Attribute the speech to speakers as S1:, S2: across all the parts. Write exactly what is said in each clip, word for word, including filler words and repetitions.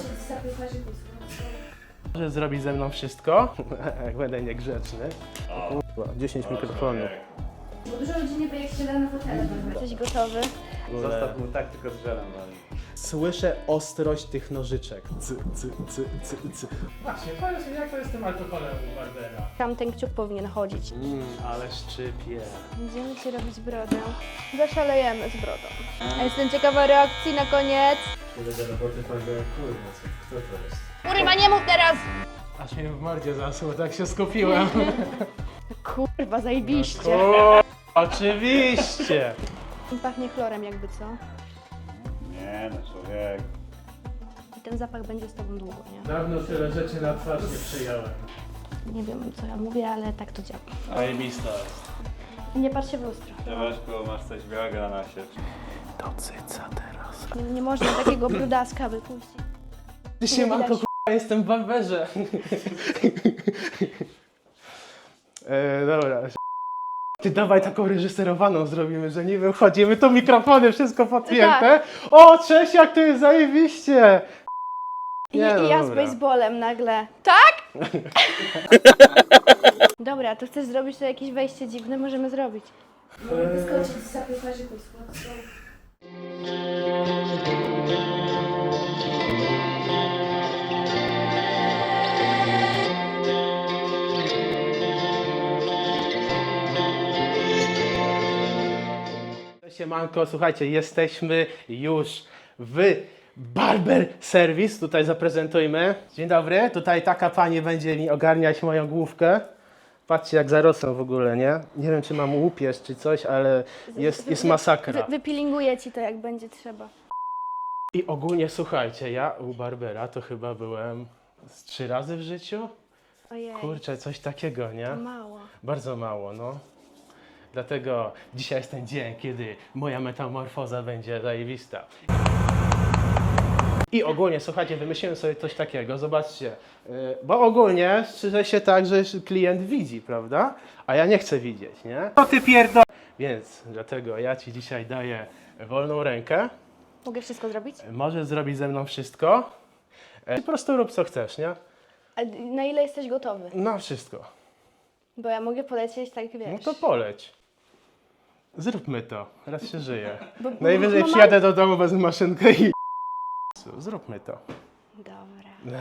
S1: Może zrobić ze mną wszystko, jak będę niegrzeczny. Kurwa, dziesięć mikrofonów.
S2: Bo dużo ludzi nie wie, jak się da na fotele. Jesteś gotowy?
S3: Zostaw mu tak, tylko z żelem wali.
S1: Słyszę ostrość tych nożyczek. Cy, cy, cy, cy, cy.
S4: Właśnie, powiedz mi, jak to jest z tym alkoholem u Barbera?
S2: Tam ten kciuk powinien chodzić.
S1: Mmm, ale szczypie.
S2: Będziemy ci robić brodę. Zaszalejemy z brodą. A jestem ciekawa reakcji na koniec.
S3: Kiedy do roboty powiedziałem, kurwa, co, kto to jest?
S2: Kurwa, nie mów teraz!
S4: Aż mnie w mordzie zasło, tak się skupiłem.
S2: Kurwa, zajebiście.
S1: O, oczywiście!
S2: Pachnie chlorem jakby, co?
S3: Nie no, człowiek.
S2: I ten zapach będzie z tobą długo, nie?
S4: Dawno tyle rzeczy na twarz nie przyjąłem.
S2: Nie wiem, co ja mówię, ale tak to działa.
S1: Zajebista jest.
S2: Nie patrz się w lustro.
S3: Czewaśku, masz coś białego na nasie.
S1: Do cyca teraz.
S2: Nie, nie można takiego brudaska wypuścić.
S1: Ty się manko, k***a, jestem w barberze. e, dobra. Ty dawaj taką reżyserowaną zrobimy, że niby wchodzimy, tu mikrofony, wszystko podpięte. O, cześć, jak to jest zajebiście!
S2: I,
S1: Nie, no
S2: I ja z
S1: dobra.
S2: baseballem nagle. Tak? Dobra, to chcesz zrobić to jakieś wejście dziwne? Możemy zrobić.
S5: Mogę wyskoczyć z zapiekarzy pod słodką.
S1: Siemanko, słuchajcie, jesteśmy już w Barber Service. Tutaj zaprezentujmy. Dzień dobry, tutaj taka pani będzie mi ogarniać moją główkę. Patrzcie, jak zarosłem w ogóle, nie? Nie wiem, czy mam łupież, czy coś, ale jest, jest masakra.
S2: Wy, wypilinguję ci to, jak będzie trzeba.
S1: I ogólnie, słuchajcie, ja u Barbera to chyba byłem z trzy razy w życiu.
S2: Ojej,
S1: Kurczę, coś takiego, nie?
S2: to mało.
S1: Bardzo mało, no. Dlatego dzisiaj jest ten dzień, kiedy moja metamorfoza będzie zajebista. I ogólnie, słuchajcie, wymyśliłem sobie coś takiego, zobaczcie. Yy, bo ogólnie strzyże się tak, że klient widzi, prawda? A ja nie chcę widzieć, nie? To ty pierdol... Więc dlatego ja ci dzisiaj daję wolną rękę.
S2: Mogę wszystko zrobić?
S1: Możesz zrobić ze mną wszystko. Yy, po prostu rób co chcesz, nie?
S2: A na ile jesteś gotowy?
S1: No wszystko.
S2: Bo ja mogę polecieć tak, wiesz.
S1: No to poleć. Zróbmy to. Raz się żyje.
S2: Bo-
S1: Najwyżej
S2: mama-
S1: przyjadę do domu, wezmę maszynkę i... Zróbmy to.
S2: Dobra.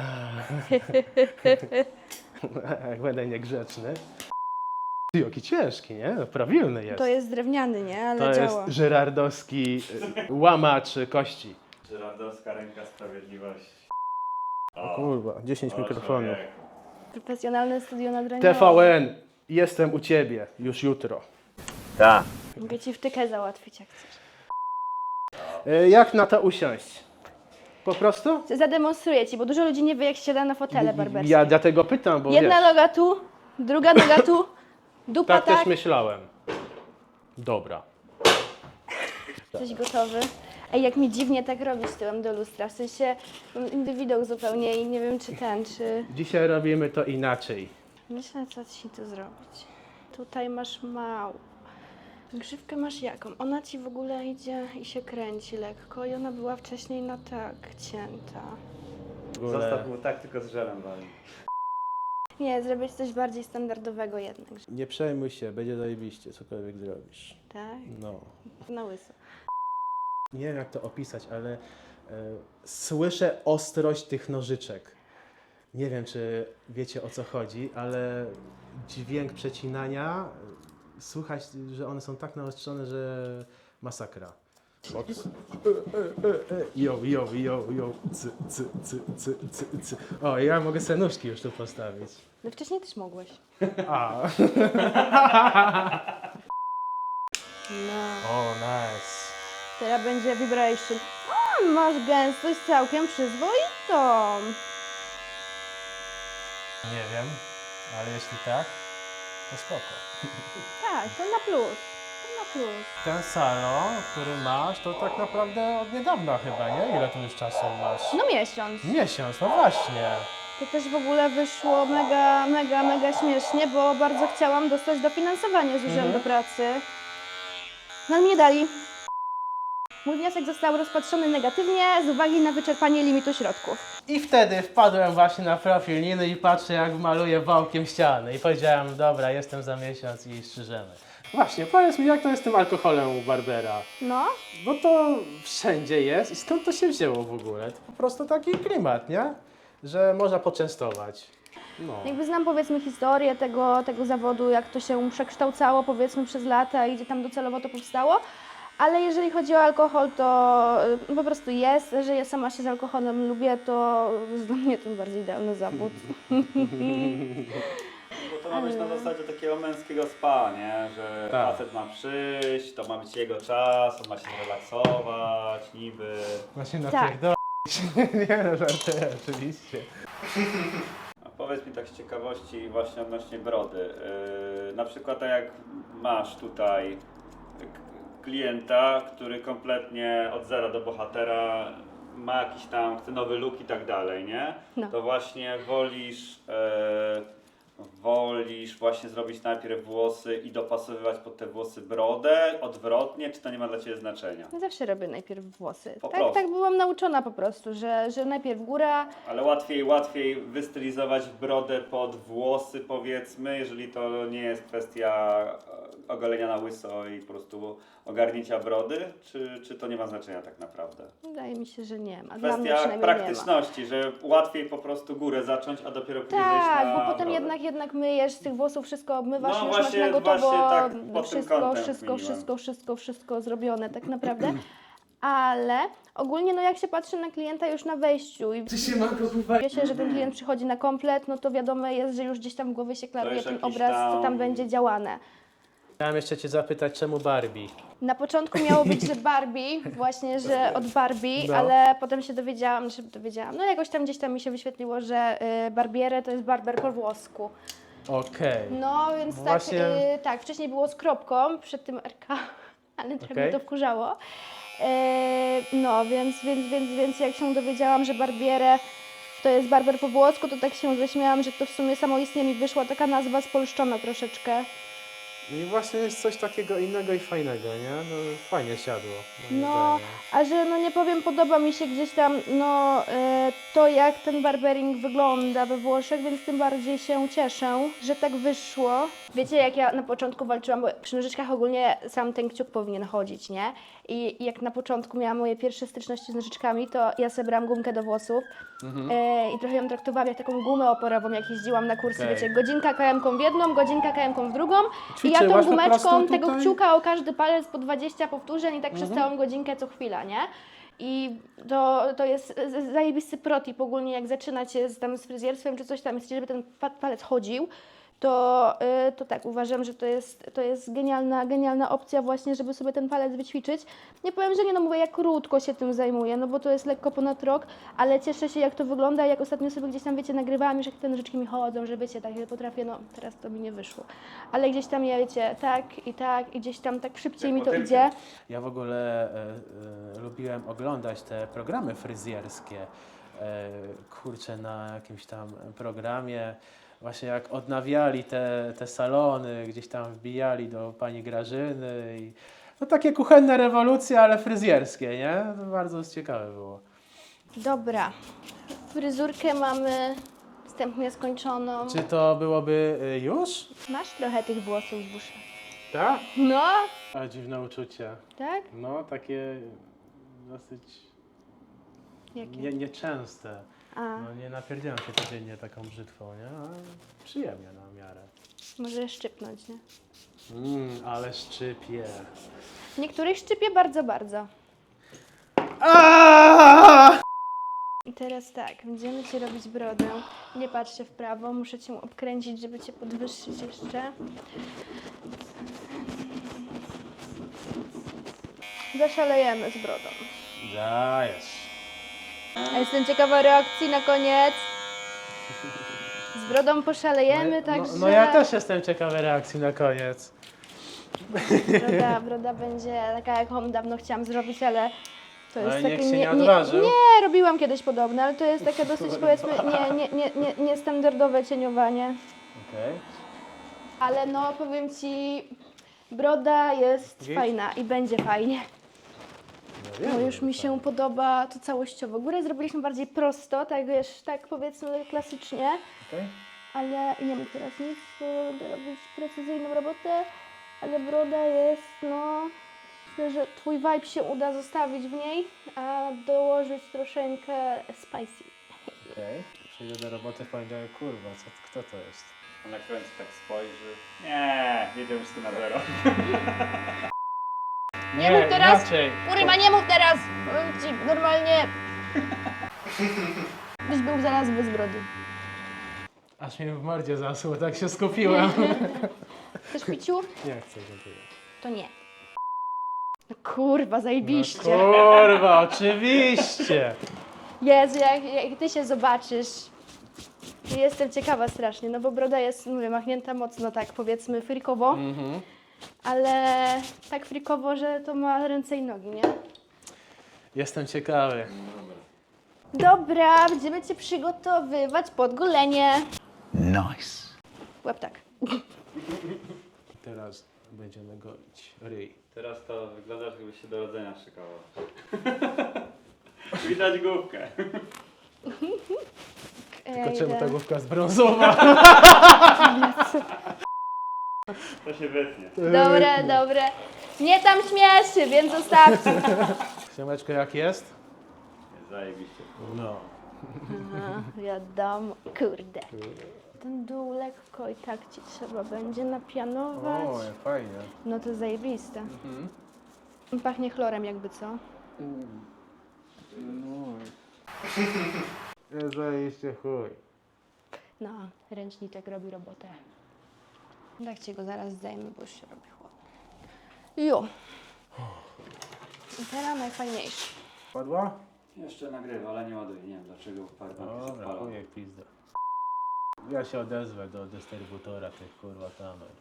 S1: Jak będę niegrzeczny. Ty, jaki ciężki, nie? No, prawilny jest.
S2: To jest drewniany, nie? Ale
S1: To
S2: działa.
S1: jest żyrardowski y, łamacz kości.
S3: Żyrandowska ręka sprawiedliwości.
S1: O kurwa, dziesięć
S3: o,
S1: mikrofonów.
S3: człowiek.
S2: Profesjonalne studio nagrania.
S1: T V N, jestem u ciebie już jutro.
S3: Tak.
S2: Mogę ci wtykę załatwić, jak chcesz.
S1: Y, jak na to usiąść? Po prostu?
S2: Zademonstruję ci, bo dużo ludzi nie wie, jak się siada na fotele barberskie.
S1: Ja dlatego pytam, bo
S2: Jedna
S1: wiesz,
S2: noga tu, druga noga tu, dupa
S1: tak
S2: tak.
S1: też myślałem. Dobra.
S2: Jesteś gotowy? Ej, jak mi dziwnie tak robisz tyłem do lustra, w sensie mam inny widok zupełnie i nie wiem, czy ten, czy...
S1: Dzisiaj robimy to inaczej.
S2: Myślę, co ci tu zrobić. Tutaj masz małą. Grzywkę masz jaką? Ona ci w ogóle idzie i się kręci lekko i ona była wcześniej na tak cięta.
S1: W ogóle...
S3: Zostaw mu tak, tylko z żelem wali.
S2: Nie, zrobię ci coś bardziej standardowego jednak.
S1: Nie przejmuj się, będzie zajebiście, cokolwiek zrobisz.
S2: Tak?
S1: No.
S2: Na łyso.
S1: Nie wiem jak to opisać, ale e, słyszę ostrość tych nożyczek. Nie wiem, czy wiecie o co chodzi, ale dźwięk przecinania, e, słychać, że one są tak naostrzone, że masakra. Box. Jo, jo, jo, jo, cy, cy, cy, cy, cy, cy. O, ja mogę sobie nóżki już tu postawić.
S2: No wcześniej też mogłeś.
S1: A.
S2: No.
S1: O, nice.
S2: Teraz będzie vibration. O, masz gęstość całkiem przyzwoitą.
S1: Nie wiem, ale jeśli tak, to spoko.
S2: Tak, to na plus. To na plus.
S1: Ten salon, który masz, to tak naprawdę od niedawna chyba, nie? Ile tu już czasu masz?
S2: No miesiąc.
S1: Miesiąc, no właśnie.
S2: To też w ogóle wyszło mega, mega, mega śmiesznie, bo bardzo chciałam dostać dofinansowanie z Urzędu
S1: Mhm.
S2: Pracy. No ale mi nie dali. Mój wniosek został rozpatrzony negatywnie z uwagi na wyczerpanie limitu środków.
S1: I wtedy wpadłem właśnie na profil Niny i patrzę, jak maluje wałkiem ściany. I powiedziałem, dobra, jestem za miesiąc i strzyżemy. Właśnie, powiedz mi, jak to jest z tym alkoholem u Barbera?
S2: No,
S1: Bo to wszędzie jest i skąd to się wzięło w ogóle? To po prostu taki klimat, nie? Że można poczęstować. No.
S2: jakby znam powiedzmy historię tego, tego zawodu, jak to się przekształcało powiedzmy przez lata i gdzie tam docelowo to powstało. Ale jeżeli chodzi o alkohol, to y, po prostu jest, że ja sama się z alkoholem lubię, to jest dla mnie tym bardziej idealny zawód.
S3: Bo to ma być na zasadzie takiego męskiego spa, nie? Że
S1: Tak.
S3: facet ma przyjść, to ma być jego czas, on ma się zrelaksować, niby.
S1: Właśnie
S2: Tak.
S1: napierdolić. Nie no, żartuję, oczywiście.
S3: A powiedz mi tak z ciekawości właśnie odnośnie brody. Yy, na przykład tak jak masz tutaj k- klienta, który kompletnie od zera do bohatera ma jakiś tam, chce nowy look i tak dalej, nie?
S2: No.
S3: To właśnie wolisz, yy, wolisz właśnie zrobić najpierw włosy i dopasowywać pod te włosy brodę, odwrotnie, czy to nie ma dla Ciebie znaczenia?
S2: Ja zawsze robię najpierw włosy.
S3: Po
S2: Tak,
S3: prostu.
S2: tak byłam nauczona po prostu, że, że najpierw góra.
S3: Ale łatwiej, łatwiej wystylizować brodę pod włosy, powiedzmy, jeżeli to nie jest kwestia e, ogolenia na łyso i po prostu ogarnięcia brody, czy, czy to nie ma znaczenia tak naprawdę?
S2: Wydaje mi się, że nie ma. Dla mnie
S3: Kwestia
S2: przynajmniej nie ma.
S3: praktyczności, że łatwiej po prostu górę zacząć, a dopiero później zejść
S2: Tak,
S3: na
S2: bo potem
S3: brodę.
S2: jednak, jednak myjesz z tych włosów, wszystko obmywasz,
S3: No
S2: już masz
S3: właśnie-
S2: na gotowo
S3: właśnie tak pod tym
S2: wszystko,
S3: kątem
S2: wszystko,
S3: kminiłem.
S2: wszystko, wszystko, wszystko zrobione tak naprawdę. Ale ogólnie no jak się patrzy na klienta już na wejściu i wie się, że ten klient przychodzi na komplet, no to wiadomo jest, że już gdzieś tam w głowie się klaruje
S3: już
S2: ten
S3: jakiś
S2: obraz, co
S3: tam-
S2: tam będzie działane.
S1: Chciałem jeszcze Cię zapytać, czemu Barbie?
S2: Na początku miało być, że Barbie, właśnie, że od Barbie,
S1: No.
S2: ale potem się dowiedziałam, że dowiedziałam, no jakoś tam gdzieś tam mi się wyświetliło, że y, Barbiere to jest barber po włosku.
S1: Okej.
S2: No więc
S1: Właśnie-
S2: tak, y, tak, wcześniej było z kropką, przed tym R K, ale trochę
S1: Okej.
S2: mnie to wkurzało. Y, no więc, więc, więc, więc jak się dowiedziałam, że Barbiere to jest barber po włosku, to tak się zaśmiałam, że to w sumie samoistnie mi wyszła taka nazwa spolszczona troszeczkę.
S1: I właśnie jest coś takiego innego i fajnego, nie? No fajnie siadło. moim
S2: No,
S1: zdaniem.
S2: a że no nie powiem, podoba mi się gdzieś tam no e, to jak ten barbering wygląda we Włoszech, więc tym bardziej się cieszę, że tak wyszło. Wiecie, jak ja na początku walczyłam, bo przy nożyczkach ogólnie sam ten kciuk powinien chodzić, nie? I jak na początku miałam moje pierwsze styczności z nożyczkami, to ja sobie brałam gumkę do włosów e, i trochę ją traktowałam jak taką gumę oporową, jak jeździłam na kursy,
S1: Okej.
S2: wiecie, godzinka K M-ką w jedną, godzinka K M-ką w drugą i ja tą
S1: Ćwiczyłaś po
S2: gumeczką
S1: prostu
S2: tego
S1: tutaj?
S2: kciuka o każdy palec po dwadzieścia powtórzeń i tak przez całą godzinkę co chwila, nie? I to, to jest z- zajebisty protip ogólnie, jak zaczynacie z, tam z fryzjerstwem czy coś tam, chcecie, żeby ten pa- palec chodził, to, y, to tak, uważam, że to jest, to jest genialna, genialna opcja właśnie, żeby sobie ten palec wyćwiczyć. Nie powiem, że nie, no mówię, jak krótko się tym zajmuję, no bo to jest lekko ponad rok, ale cieszę się, jak to wygląda, jak ostatnio sobie gdzieś tam, wiecie, nagrywałam już, jak te nożyczki mi chodzą, że wiecie, tak, ja potrafię, no teraz to mi nie wyszło, ale gdzieś tam, ja wiecie, tak i tak i gdzieś tam tak szybciej
S3: Jak
S2: mi to
S3: motylkiem.
S2: idzie.
S1: Ja w ogóle e, e, lubiłem oglądać te programy fryzjerskie. E, kurczę, na jakimś tam programie, właśnie jak odnawiali te, te salony, gdzieś tam wbijali do pani Grażyny i no takie kuchenne rewolucje, ale fryzjerskie, nie? To bardzo ciekawe było.
S2: Dobra, fryzurkę mamy wstępnie skończoną.
S1: Czy to byłoby e, już?
S2: Masz trochę tych włosów w uszach.
S1: Tak?
S2: No,
S1: A dziwne uczucie.
S2: tak?
S1: No, takie dosyć
S2: Jakie?
S1: nie, nieczęste.
S2: A,
S1: No nie napierdzielam się codziennie taką brzytwą, nie? Ale przyjemnie na miarę.
S2: może szczypnąć, nie?
S1: Mmm, ale szczypie.
S2: Niektórych szczypie bardzo, bardzo. I teraz tak, będziemy Ci robić brodę. Nie patrz się w prawo, muszę Cię obkręcić, żeby Cię podwyższyć jeszcze. Zaszalejemy z brodą.
S1: Dajesz.
S2: A jestem ciekawa reakcji na koniec. Z brodą poszalejemy,
S1: no,
S2: także...
S1: no, no ja też jestem ciekawy reakcji na koniec.
S2: Broda, broda będzie taka, jaką dawno chciałam zrobić, ale to jest
S1: Ale
S2: takie...
S1: nikt się nie odważył.
S2: nie, robiłam kiedyś podobne, ale to jest takie dosyć, powiedzmy, nie, nie, nie, nie, niestandardowe cieniowanie.
S1: Okej.
S2: Ale no, powiem Ci, broda jest
S1: Git?
S2: fajna i będzie fajnie.
S1: No
S2: No już mi się podoba to całościowo. Górę zrobiliśmy bardziej prosto, tak wiesz, tak powiedzmy klasycznie.
S1: Okej.
S2: Ale nie mógł teraz nic, bo będę robić precyzyjną robotę, ale broda jest, no, myślę, że twój vibe się uda zostawić w niej, a dołożyć troszeczkę spicy.
S1: Okej. Przyjdę do roboty w poniedziałek, kurwa, co, kto to jest?
S3: A na końcu tak spojrzy. Nie, jedziemy wszystko na zero.
S2: Nie mów teraz!
S4: Inaczej.
S2: Uryma, nie mów teraz! Powiem ci, normalnie... Byś był zaraz bez brody.
S4: Aż mnie w mordzie zasło, tak się skupiłem.
S2: Chcesz piciu?
S1: Nie chcę, dziękuję.
S2: To nie. No kurwa, zajebiście.
S1: Kurwa, oczywiście!
S2: Jezu, jak, jak ty się zobaczysz. Jestem ciekawa strasznie, no bo broda jest, mówię, machnięta mocno tak powiedzmy frikowo,
S1: Mhm.
S2: ale tak frikowo, że to ma ręce i nogi, nie?
S1: Jestem ciekawy.
S2: Dobra, będziemy cię przygotowywać pod golenie.
S6: Nice.
S2: Łap tak.
S1: Teraz będziemy golić ryj.
S3: Teraz to wyglądasz, jakbyś się do rodzenia szykował. Widać główkę.
S1: Tylko czemu
S2: Ej,
S1: ta główka jest brązowa?
S3: To się wytnie.
S2: Dobre, dobre. Nie tam śmieszy, więc zostawcie.
S1: Siemeczko, jak jest?
S3: Zajebiście.
S1: No.
S2: Aha, wiadomo, kurde. Ten dół lekko i tak ci trzeba będzie napianować.
S1: O, jak fajnie.
S2: No to zajebiste.
S1: Mhm.
S2: Pachnie chlorem jakby, co?
S1: No. Zajebiście chuj.
S2: No, ręczniczek robi robotę. Tak ci go zaraz zdejmę, bo już się robi chłodno. Jo. I teraz najfajniejszy.
S1: Padła?
S3: Jeszcze nagrywa, ale nie ładuje. Nie wiem dlaczego powerbanki się
S1: Dobra,
S3: odpalą.
S1: chuj jak pizda. Ja się odezwę do dystrybutora tych kurwa kamer.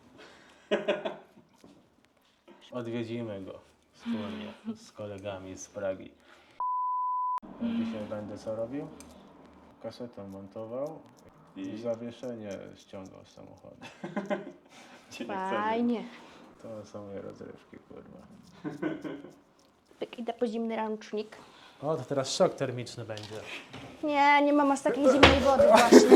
S1: Odwiedzimy go wspólnie z kolegami z Pragi. Ja dzisiaj będę co robił? Kasetę montował i
S3: I
S1: zawieszenie ściągał z samochodu.
S3: cię nie chce.
S2: Fajnie.
S1: To są moje rozrywki, kurwa.
S2: Pyk, idę po zimny ręcznik.
S1: O, to teraz szok termiczny będzie.
S2: Nie, nie mam aż takiej zimnej wody właśnie.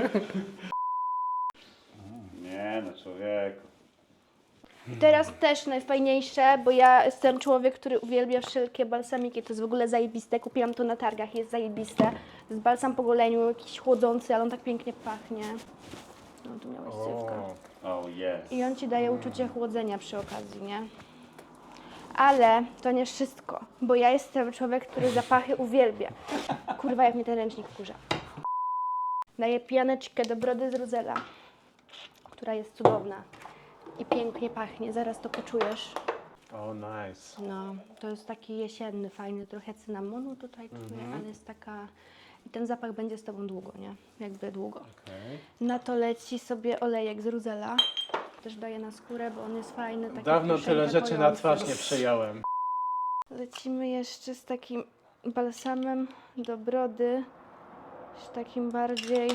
S3: Nie no, człowieku.
S2: I teraz też najfajniejsze, bo ja jestem człowiek, który uwielbia wszelkie balsamiki. To jest w ogóle zajebiste. Kupiłam to na targach, jest zajebiste. To jest balsam po goleniu, jakiś chłodzący, ale on tak pięknie pachnie. No tu miałeś sywka.
S3: Oh yes.
S2: I on ci daje uczucie chłodzenia przy okazji, nie? Ale to nie wszystko, bo ja jestem człowiek, który zapachy uwielbia. Kurwa, jak mnie ten ręcznik wkurza. Daję pianeczkę do brody z Ruzela, która jest cudowna i pięknie pachnie. Zaraz to poczujesz.
S1: O, nice.
S2: No, to jest taki jesienny, fajny, trochę cynamonu tutaj czuję,
S1: Mhm.
S2: ale jest taka... I ten zapach będzie z tobą długo, nie? Jakby długo.
S1: Okej.
S2: Na to leci sobie olejek z Ruzela. Też daję na skórę, bo on jest fajny. Taki
S1: Dawno
S2: troszeczkę
S1: tyle rzeczy na
S2: kojący.
S1: twarz nie przejąłem.
S2: Lecimy jeszcze z takim balsamem do brody. Z takim bardziej...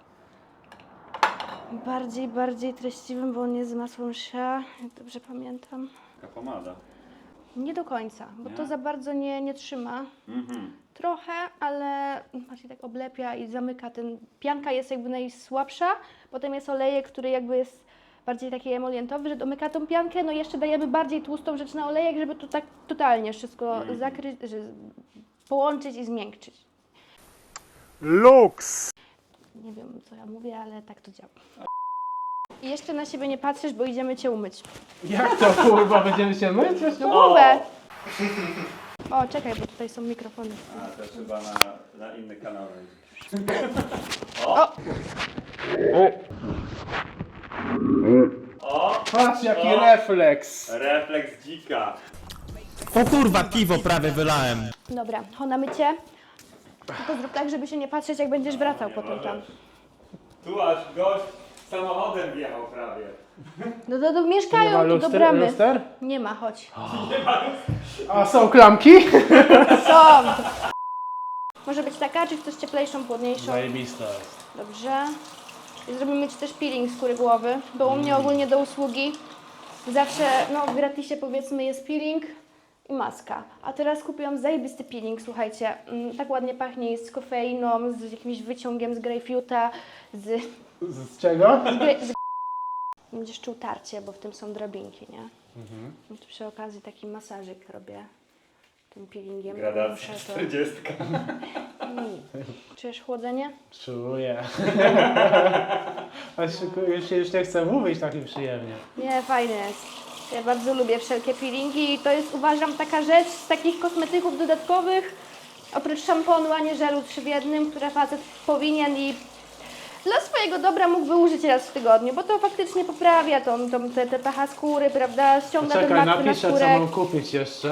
S2: Bardziej, bardziej treściwym, bo on jest z masłem shea, jak dobrze pamiętam.
S3: Taka pomada.
S2: Nie do końca, bo
S3: Nie?
S2: to za bardzo nie, nie trzyma.
S3: Mhm.
S2: Trochę, ale bardziej tak oblepia i zamyka. Ten pianka jest jakby najsłabsza, potem jest olejek, który jakby jest bardziej taki emolientowy, że domyka tą piankę, no i jeszcze dajemy bardziej tłustą rzecz na olejek, żeby to tak totalnie wszystko
S3: Mhm.
S2: zakryć, że połączyć i zmiękczyć.
S1: Lux!
S2: Nie wiem, co ja mówię, ale tak to działa. I jeszcze na siebie nie patrzysz, bo idziemy cię umyć.
S1: Jak to kurwa, będziemy się myć?
S2: No mówię! O, czekaj, bo tutaj są mikrofony.
S3: A to chyba na, na inny kanał będzie.
S2: O!
S3: O!
S1: Patrz jaki
S3: O!
S1: refleks!
S3: Refleks dzika.
S6: O kurwa, piwo prawie wylałem.
S2: Dobra, ho na mycie. Tylko zrób tak, żeby się nie patrzeć, jak będziesz wracał
S3: Nie
S2: potem tam.
S3: możesz. Tu aż gość samochodem wjechał prawie.
S2: No to, to
S1: Nie ma
S2: mieszkają tu do
S1: luster,
S2: bramy.
S1: luster?
S2: Nie ma, chodź.
S1: A są klamki?
S2: Są! Może być taka, czy chcesz cieplejszą, chłodniejszą?
S1: Zajebista jest.
S2: Dobrze. I zrobimy Ci też peeling skóry głowy, bo u mnie ogólnie do usługi zawsze, no w gratisie powiedzmy jest peeling i maska. A teraz kupiłam zajebisty peeling, słuchajcie. Mm, tak ładnie pachnie, jest z kofeiną, z jakimś wyciągiem z grejpfruta, z...
S1: Z czego?
S2: z, gre, z... Będziesz czuł tarcie, bo w tym są drobinki, nie?
S1: Mhm.
S2: I tu przy okazji taki masażyk robię tym peelingiem.
S3: Gradacja
S2: Muszę to-
S3: czterdziestka.
S2: Mm. Czujesz chłodzenie?
S1: Czuję. Aż już, już nie chcę mówić tak przyjemnie.
S2: Nie, fajne jest. Ja bardzo lubię wszelkie peelingi i to jest, uważam, taka rzecz z takich kosmetyków dodatkowych, oprócz szamponu, a nie żelu trzy w jednym, które facet powinien i dla swojego dobra mógłby użyć raz w tygodniu, bo to faktycznie poprawia tą, tą, te, te pH skóry, prawda, ściąga ten
S1: Czekaj,
S2: martwy
S1: napiszę co
S2: naskórek.
S1: mam kupić jeszcze.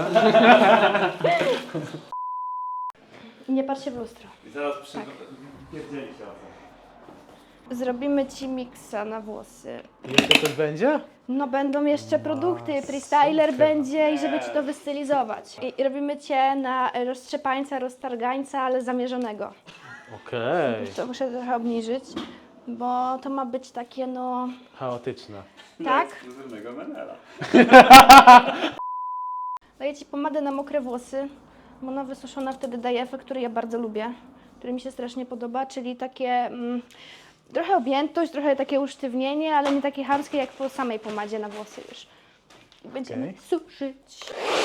S2: I nie patrz się w lustro.
S3: I zaraz przy...
S2: Tak.
S3: Pierdzieli się o co.
S2: Zrobimy Ci miksa na włosy.
S1: Jeszcze to będzie?
S2: No będą jeszcze produkty, freestyler będzie i żeby Ci to wystylizować. I, i robimy Cię na roztrzepańca, roztargańca, ale zamierzonego.
S1: Okej.
S2: To muszę trochę obniżyć, bo to ma być takie no...
S1: Chaotyczne.
S2: Tak?
S3: Ekskluzywnego menela.
S2: Daję Ci pomadę na mokre włosy, bo ona wysuszona wtedy daje efekt, który ja bardzo lubię, który mi się strasznie podoba, czyli takie mm, trochę objętość, trochę takie usztywnienie, ale nie takie chamskie jak po samej pomadzie na włosy już. I będziemy
S1: Okej.
S2: suszyć.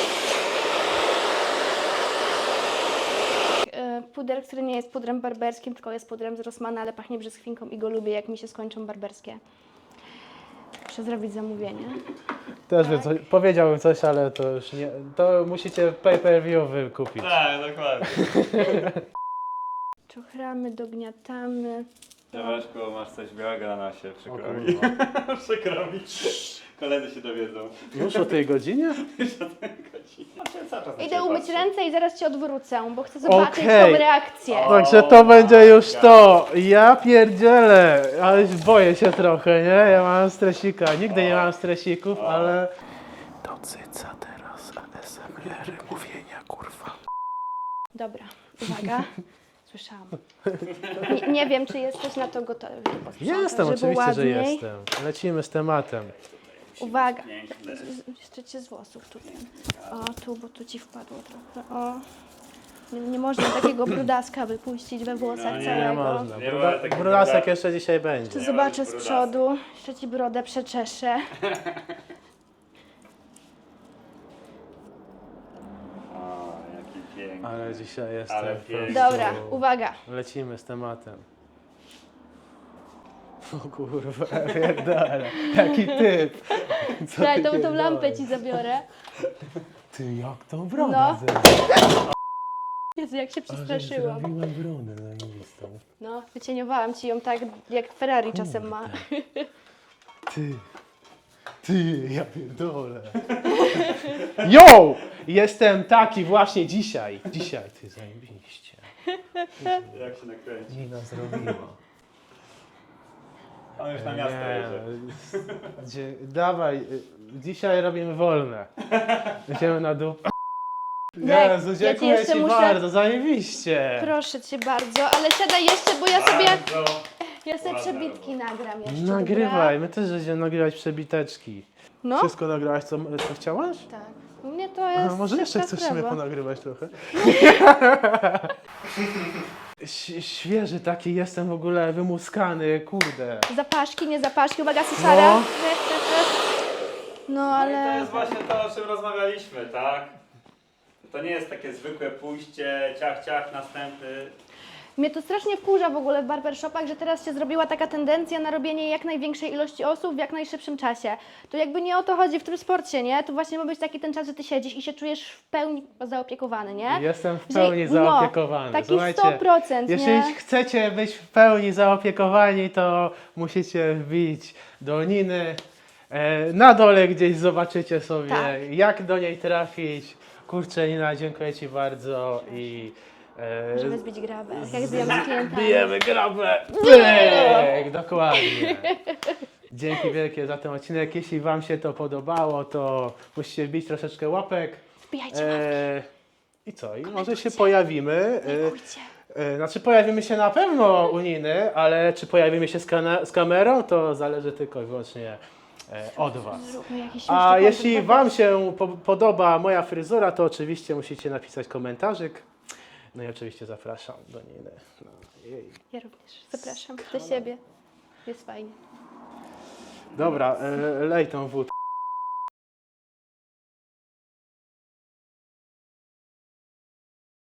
S2: E, Puder, który nie jest pudrem barberskim, tylko jest pudrem z Rossmana, ale pachnie brzoskwinką i go lubię, jak mi się skończą barberskie. Muszę zrobić zamówienie.
S1: Też by coś, powiedziałbym coś, ale to już nie. To musicie pay per view wykupić.
S3: Tak, dokładnie.
S2: Czochramy, dogniatamy.
S3: Zobacz, masz coś białego na nosie,
S1: O
S3: przykro mi.
S1: kurwa.
S3: Przykro mi. Koledzy się dowiedzą.
S1: Już o tej godzinie?
S3: Już o tej godzinie. Ja cały czas na
S2: Idę
S3: ciebie
S2: umyć
S3: patrzę.
S2: ręce i zaraz Cię odwrócę, bo chcę zobaczyć
S1: Okej.
S2: tą reakcję.
S3: O.
S1: Także to będzie już to. Ja pierdzielę, ale boję się trochę, nie? Ja mam stresika. Nigdy nie mam stresików, ale... To cyca teraz A S M R mówienia, kurwa.
S2: Dobra, uwaga. Słyszałam. Nie, nie wiem, czy jesteś na to gotowy. posprzątać,
S1: Jestem,
S2: żeby
S1: oczywiście, że
S2: ładniej.
S1: jestem. Lecimy z tematem.
S2: Uwaga.
S3: Piękne.
S2: Z- Jeszcze Cię z włosów tutaj. O, tu, bo tu Ci wpadło trochę. O. Nie, nie można takiego brudaska wypuścić we włosach
S3: No nie,
S2: całego.
S1: Nie można.
S3: Nie
S1: Bruda,
S3: ma takiego
S1: brudasek
S3: brudaka.
S1: jeszcze dzisiaj będzie.
S2: Jeszcze
S3: Nie
S2: zobaczę
S3: ma
S2: z
S3: brudasa.
S2: przodu. Jeszcze Ci brodę przeczeszę.
S3: O, jaki piękny.
S1: Ale dzisiaj jestem.
S3: Ale
S1: po
S3: pięknie.
S1: prostu-
S2: Dobra, uwaga.
S1: Lecimy z tematem. O kurwa, pierdolę. Jaki typ. Co
S2: Słuchaj,
S1: ty
S2: tą, tą
S1: pierdolisz?
S2: lampę Ci zabiorę.
S1: Ty, jak tą brodę
S2: No.
S1: zrobiłaś?
S2: Jezu, jak się
S1: Ale
S2: przestraszyłam.
S1: zrobiłem brodę zajebistą.
S2: No, wycieniowałam Ci ją tak, jak Ferrari czasem ma.
S1: Ty. Ty, ja pierdolę. Yo! Jestem taki właśnie dzisiaj. Dzisiaj, ty zajebiście.
S3: Jak się nakręci.
S1: Nina zrobiła.
S3: On już na miasto jedzie.
S1: Gdzie, dawaj, y, dzisiaj robimy wolne. Idziemy na dół.
S2: Nie,
S1: Jezu,
S2: ja ci
S1: dziękuję
S2: jeszcze
S1: Ci
S2: muszę-
S1: bardzo, zajebiście.
S2: Proszę Cię bardzo, ale siadaj jeszcze, bo ja sobie,
S3: Bardzo.
S2: ja sobie
S3: Ładna
S2: przebitki nagram jeszcze.
S1: Nagrywaj, my też będziemy nagrywać przebiteczki.
S2: No,
S1: Wszystko nagrałaś, co, co chciałaś?
S2: tak. U mnie to jest
S1: A, może jeszcze
S2: szybka
S1: chcesz sobie
S2: sprawa.
S1: ponagrywać trochę? Ś- świeży taki jestem w ogóle, wymuskany, kurde.
S2: Zapaszki, nie zapaszki, uwaga, Susara.
S1: No.
S2: No,
S3: No i to
S2: ale...
S3: jest właśnie to, o czym rozmawialiśmy, tak? To nie jest takie zwykłe pójście, ciach, ciach, następny.
S2: Mnie to strasznie wkurza w ogóle w barbershopach, że teraz się zrobiła taka tendencja na robienie jak największej ilości osób w jak najszybszym czasie. To jakby nie o to chodzi w tym sporcie, nie? To właśnie ma być taki ten czas, że ty siedzisz i się czujesz w pełni zaopiekowany, nie?
S1: Jestem w
S2: Że-
S1: pełni
S2: no,
S1: zaopiekowany.
S2: Taki
S1: Słuchajcie,
S2: sto procent,
S1: jeżeli
S2: nie?
S1: chcecie być w pełni zaopiekowani, to musicie wbić do Niny. E, na dole gdzieś zobaczycie sobie,
S2: Tak.
S1: jak do niej trafić. Kurczę, Nina, dziękuję Ci bardzo i... E,
S2: Żeby zbić grabę, jak zbijamy z klientami.
S1: bijemy grabę! Pyk! Dokładnie. Dzięki wielkie za ten odcinek. Jeśli Wam się to podobało, to musicie wbić troszeczkę łapek.
S2: Wbijajcie
S1: E, I co? I może się pojawimy. E,
S2: Dziękujcie.
S1: e, znaczy pojawimy się na pewno u Niny, ale czy pojawimy się z, kana- z kamerą, to zależy tylko i wyłącznie e, od Was.
S2: Zróbmy jakiś
S1: A
S2: śmieszny
S1: jeśli
S2: content,
S1: Wam się po podoba moja fryzura, to oczywiście musicie napisać komentarzyk. No i oczywiście zapraszam do niej. No, jej.
S2: Ja również zapraszam do siebie. Jest fajnie.
S1: Dobra, e, lej tą wódkę.